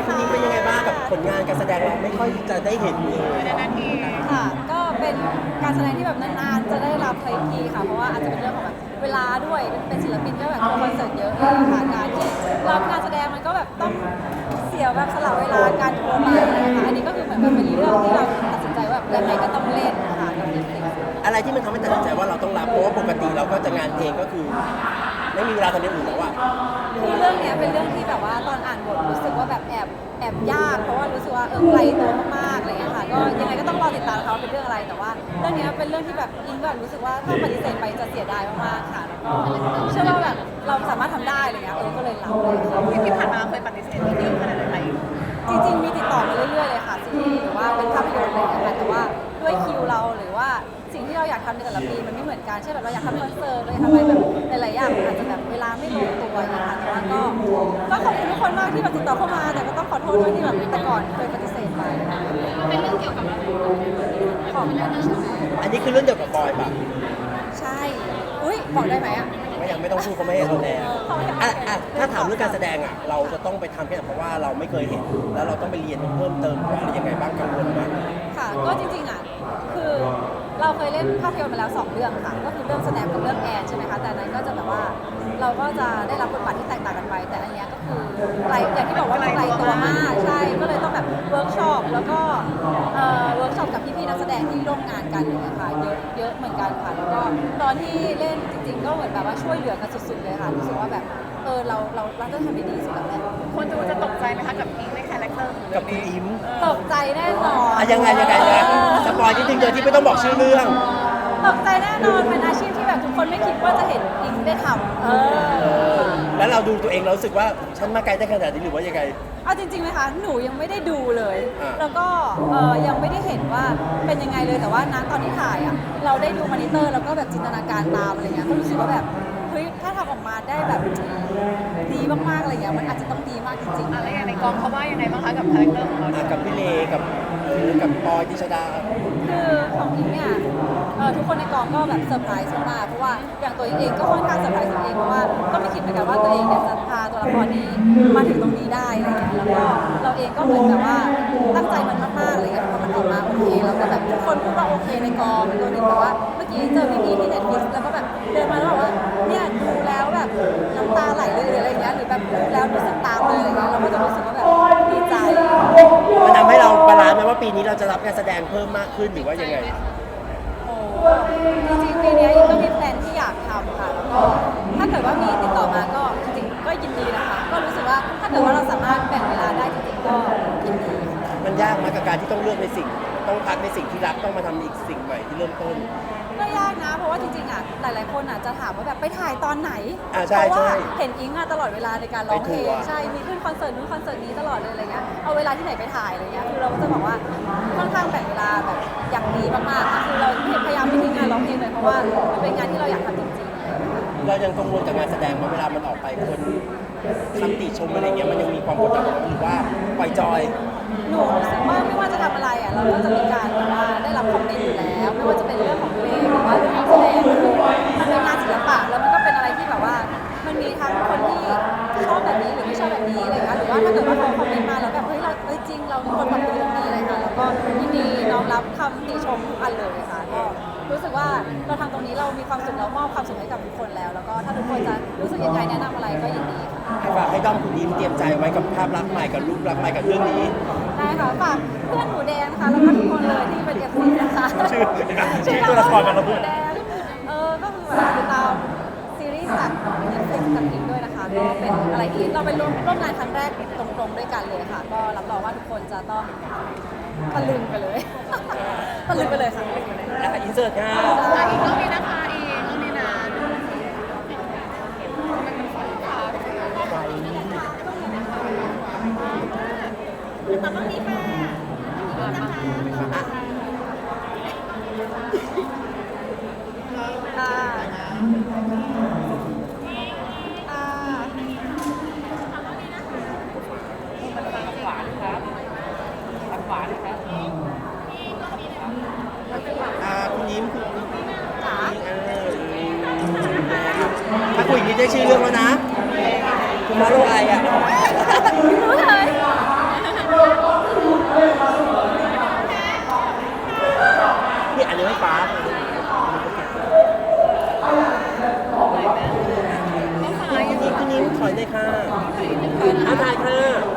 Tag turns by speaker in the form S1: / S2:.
S1: คุณนิ้งเป็นยังไงบ้างกับผลงานการแสดงเราไม่ค่อยจะได้เห็นเลย
S2: ค่ะก็เป็นการแสดงที่แบบนานๆจะได้รับใช้ทีค่ะเพราะว่าอาจจะเป็นเรื่องของแบบเวลาด้วยเป็นศิลปินก็แบบทัวร์คอนเสิร์ตเยอะเลยค่ะการที่รับงานแสดงมันก็แบบต้องเสียแบบสละเวลาการทัวร์ไปนะคะอันนี้ก็คือเหมือนเป็นเรื่องที่เราตัดสินใจว่าแบบยังไงก็ต้องเล่นค่ะกับเด็ก
S1: อะไรที่มันทำให้ตัดสินใจว่าเราต้องรับเพราะว่าปกติเราก็จะงานเพลงก็คือ ไม่มีเวลาทำอย่างอื่นแล้วอะ
S2: คือเรื่องเนี้ยเป็นเรื่องที่แบบว่าตอนอ่านบทรู้สึกว่าแบบแอบยากเพราะว่ารู้สึกว่าไกลตัวมากๆอะไรเงี้ยค่ะก็ยังไงก็ต้องรอติดตามเขาเป็นเรื่องอะไรแต่ว่าเรื่องเนี้ยเป็นเรื่องที่แบบอิงแบบรู้สึกว่าถ้าปฏิเสธไปจะเสียดายมากๆค่ะแล้วก็เชื่อว่าแบบเราสามารถทำได้อะไรเงี้ยก็เลยรับเลยค่ะ
S3: ที่ผ่านมาเคยปฏิเสธเยอะขนาดไหน
S2: จริงๆมีติดต่อมาเรื่อยๆเลยค่ะซีรีส์หรือว่าเป็นภาพยนตร์อะไรอย่างเงี้ยค่ะแต่ว่าด้วยคิวเราหรือว่าสิ่งที่เราอยากทำในแต่ละปีมันไม่เหมือนกันเช่นแบบเราอยากทำคอนเสิร์ตเราอยากทำอะไรแบบหลายๆอย่างมันอาจจะแบบเวลาไม่ลงตัวอย่างเงี้ยค่ะแต่ว่าก็ขอบคุณทุกคนมากที่แบบติดต่อเข้ามาแต่ก็ต้องขอโทษด้วยที่แบบแต่ก่อนเคยปฏิเสธไปเป็นเรื่องเกี่ยวกับของนั่นใช่ไหม
S1: อันนี้คือเรื่องเดียวกับบอยปะ
S2: ใช่อุ้ยบอกได้ไหมอ่ะ
S1: ไม่ยังไม่ต้องพูดเขาไม่ให้เราแน่ถ้าถามเรื่องการแสดงอะเราจะต้องไปทำแค่ไหนเพราะว่าเราไม่เคยเห็น แล้วเราต้องไปเรียนเพิ่มเติมว่าอะไรยังไงบ้างกังวลไหม
S2: ค่ะก็จริงๆอ่ะคือเราเคยเล่นภาพยนตร์มาแล้ว2เรื่องค่ะก็คือเรื่องสแนปกับเรื่องแอนใช่ไหมคะแต่อันนั้นก็จะแบบว่าเราก็จะได้รับบทบาทที่แตกต่างกันไปแต่อันเนี้ยก็คือไกลอย่างที่บอกว่าไกลตัวมากใช่ก็เลยต้องแบบเวิร์กช็อปแล้วก็เวิร์กช็อปกับพี่ๆนักแสดงที่ร่วมงานกันเลยค่ะเยอะเหมือนกันค่ะแล้วก็ตอนที่เล่นจริงๆก็เหมือนแบบว่าช่วยเหลือกันสุดๆเลยค่ะรู้สึกว่าแบบเราต้องทำได้ดีสุดแล้วแหละ
S3: คนดูจะตกใจไหมคะกับอิงในคาแรคเตอร์ของ
S1: กั
S3: เรื่
S1: บ
S3: อง
S1: คุณ
S3: นี้
S1: อิม
S2: ตกใจแน่นอน
S1: ยังไงนะสปอยนิดนึงโดยที่ไม่ต้องบอกชื่อเรื่อง
S2: ตกใจแน่นอนเป็นอาชีพที่แบบทุกคนไม่คิดว่าจะเห็นอิงได้ทำ
S1: แล้วเราดูตัวเองเรารู้สึกว่าฉันมาไกลได้ขนาดนี้หรือว่ายังไง
S2: เอาจริงๆไหมคะหนูยังไม่ได้ดูเลย
S1: อ่า
S2: แล้วก็ยังไม่ได้เห็นว่าเป็นยังไงเลยแต่ว่าณตอนที่ถ่ายอ่ะเราได้ดูมอนิเตอร์แล้วก็แบบจินตนาการตามอะไรเงี้ยก็รู้สึกว่าแบบเฮ้ยถ้าทำออกมาได้แบบดีมากๆอะไรเงี้ยมันอาจจะต้องดีมากจริงๆ
S3: อะไรอย่างในกองเขาว่ายังไงบ้างคะกับคาแรคเตอร์ของเรา
S1: กับพี่เลกับปอยดิชดา
S2: คือของอิงเนี่ยทุกคนในกองก็แบบเซอร์ไพรส์มากๆเพราะว่าอย่างตัวอิงเองก็ค่อนข้างเซอร์ไพรส์ตัวเองเพราะว่าก็ไม่คิดเหมือนกันว่าตัวเองเนี่ยจะพาตัวละครนี้มาถึงตรงนี้ได้อะไรเงี้ยแล้วก็เราเองก็เหมือนแบบว่าตั้งใจมันมากๆอะไรเงี้ยพอมันออกมาโอเคแล้วก็แบบทุกคนพูดว่าโอเคในกองเป็นตัวหนึ่งแบบว่าเมื่อกี้เจอพี่ๆที่ Netflix แล้วก็แบบเดินมาแล้วบอกว่าเนี่ยดูแล้วแบบน้ำตาไหลเลยหรืออะไรเงี้ยหรือแบบดูแล้วรู้สึกตามเลยอะไรเงี้ยเราก็จะรู้สึกว่าแบบดีใจ
S1: มันทำให้เราบาลานซ์ไหมว่าปีนี้เราจะรับการแสดงเพิ่มมากขึ้นหรือว่ายังไง
S2: โอ้จริงๆปีนี้อิงก็มีแพลนที่อยากทำค่ะแล้วก็ถ้าเกิดว่ามีติดต่อมาก็จริงๆก็ยินดีนะคะก็รู้สึกว่าถ้าเกิดว่าเราสามารถแบ่งเวลาได้จริงๆก็ยินดีค่ะ
S1: มันยากมากกับการที่ต้องเลือกในสิ่ง ต้องพักในสิ่งที่รักต้องมาทำอีกสิ่งใหม่ที่เริ่มต้น
S2: ก็ยากนะเพราะว่าจริงๆอ่ะหลายๆคนอ่ะจะถามว่าแบบไปถ่ายตอนไหน
S1: ใช่
S2: เพราะว่า
S1: ใช่
S2: เห็นอิงอ่ะตลอดเวลาในการร้องเพล
S1: ไปทั
S2: ง
S1: วร์
S2: ใช่มีขึ้นคอนเสิร์ตนู้นคอนเสิร์ตนี้ตลอดเลยอะไรเงี้ยเอาเวลาที่ไหนไปถ่ายอะไรเงี้ยคือเราก็จะบอกว่าค่อนข้างแบ่งเวลาแบบอย่างดีมากๆค่ะคือเราพยายามไม่ทิ้งงานร้องเพลงเลยเพราะว่ามันเป็นงานที่เราอยากทำจริงๆ
S1: เรายังกังวลกับงานแสดงว่าเวลามันออกไปคนคำติชมอะไรเงี้ยมันยังมีความกดดันหรือว่าปล่อยจอย
S2: หนูรู้สึกว่าไม่ว่าจะทำอะไรอ่ะเราก็จะมีการแบบว่าได้รับคอมเมนต์อยู่แล้วไม่ว่าจะเป็นเรื่องของเพลงหรือว่าเรื่องของแสดงคือมันเป็นงานศิลปะแล้วมันก็เป็นอะไรที่แบบว่ามันมีทั้งคนที่ชอบแบบนี้หรือไม่ชอบแบบนี้อะไรเงี้ยหรือว่าถ้าเกิดว่าเขาคอมเมนต์มาแล้วแบบเฮ้ยเราจริงเราควรปรับปรุงตรงนี้อะไรค่ะแล้วก็ยินดีน้อมรับคำติชมทุกอันเลยค่ะก็รู้สึกว่าเราทำตรงนี้เรามีความสุขเรามอบความสุขให้กับทุกคนแล้วแล้วก็ถ้าทุกคนจะรู้สึกยังไงแนะนำอะไรก็ยินดีค่ะ
S1: ฝากให้ด้อมคุณยิ้มเตรียมใจไว้กับภาพลักษณ์ใหม่กับรูปลักษณ์ใหม่กับเรื่องนี้
S2: ได้ค่ะฝากเพื่อนหมูแดงนะคะแล้วก็ทุกคนเลยที่เป็นเอฟซีนะคะ
S1: ชื่อตัวละครกันเราพู
S2: ห
S1: ด
S2: มูแดงก็คือแบบติดตามซีรีส์จากเน็ตฟลิกกับอิงด้วยนะคะก็เป็นอะไรที่เราเป็นร่วมงานครั้งแรกตรงๆด้วยกันเลยค่ะ ก็รับรองว่าทุกคนจะต้องตะลึงไปเลย ตะลึงไปเลยค่ะ
S1: อินเสิร์ตค่ะ
S3: อีกรอบนี้นะคะอีกรอบนี้นะตอนนี้ค่ะ
S2: อ่า
S1: คุณยิ้ม
S2: จ๋า
S1: ถ้าคุยอย่างนี้ได้ชื่อเรื่องแล้วนะ คุณมาโลไออ่ะ
S2: รู้เลย
S1: อันนี้ไม่ฟ้า
S3: น้องสาย
S1: พี่นิ้มถอยได้ค่ะถ่ายค่ะ